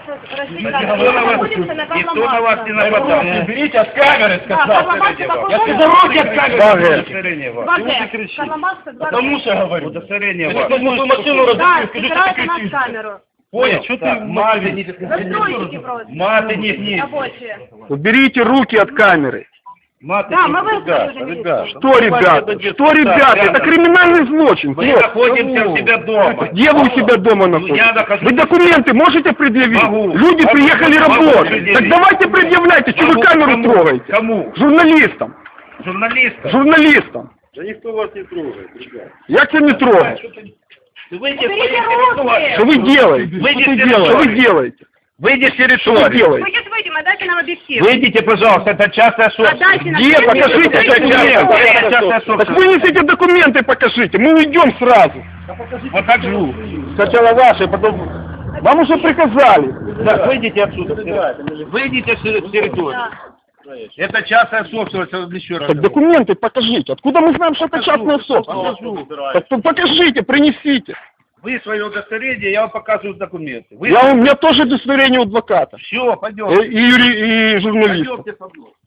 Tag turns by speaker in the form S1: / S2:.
S1: Никто на вас не нападал.
S2: Уберите от камеры, сказал.
S1: Я сказал, руки от камеры. Удостоверение ваше.
S2: Чего ты кричишь? Потому что я говорю.
S1: Удостоверение
S2: Если
S1: ваше.
S2: твою машину разбили, скажи, что ты
S3: собирайте на
S2: кричишь.
S3: камеру.
S2: Понял, что ты маты не
S3: Застройщики просто.
S1: Маты не.
S3: Рабочие.
S4: Уберите руки от камеры.
S1: Маты
S3: Да,
S1: не.
S3: мы вызвали уже милицию.
S4: Что, ребята? Что, ребята? Это криминальный злочин.
S1: Мы
S4: Вот.
S1: находимся у себя дома.
S4: Где вы у себя дома находитесь?
S1: Я нахожусь.
S4: Вы документы можете предъявить?
S1: Могу.
S4: Люди
S1: Могу.
S4: приехали
S1: Могу
S4: работать.
S1: предъявить.
S4: Так давайте предъявляйте, что вы
S1: Кому?
S4: камеру
S1: Кому?
S4: трогаете.
S1: Кому?
S4: Журналистам.
S1: Журналистам.
S4: Журналистам.
S2: Да никто вас не трогает, ребят.
S4: Я тебя не трогаю.
S1: Выйди с
S3: Уберите
S1: своей
S3: руки.
S1: территории.
S4: Что вы делаете?
S1: Выйди
S4: Что
S1: с
S4: вы делаете? Что вы
S1: территории.
S4: делаете?
S1: Выйди с
S4: Что вы
S1: территории.
S4: делаете?
S3: Мы сейчас выйдем, отдайте нам объектив.
S1: Выйдите, пожалуйста, это частная собственность.
S3: Отдайте нам
S4: Где?
S3: объектив.
S4: Покажите
S3: Выйдите.
S4: документы.
S1: Это частная
S4: Так
S1: собственность.
S4: вынесите документы, покажите. Мы уйдем сразу.
S1: Покажу.
S4: Сначала ваши, потом... Вам уже приказали.
S1: Так, выйдите отсюда. Выйдите с территории.
S3: Да.
S1: Это частная собственность, еще раз.
S4: Так документы покажите. Откуда мы знаем, что это частная собственность? Так то покажите, принесите.
S1: Вы свое удостоверение, я вам показываю документы.
S4: У меня тоже удостоверение у адвоката.
S1: Все, пойдем.
S4: И журналиста.
S1: Пойдемте со мной.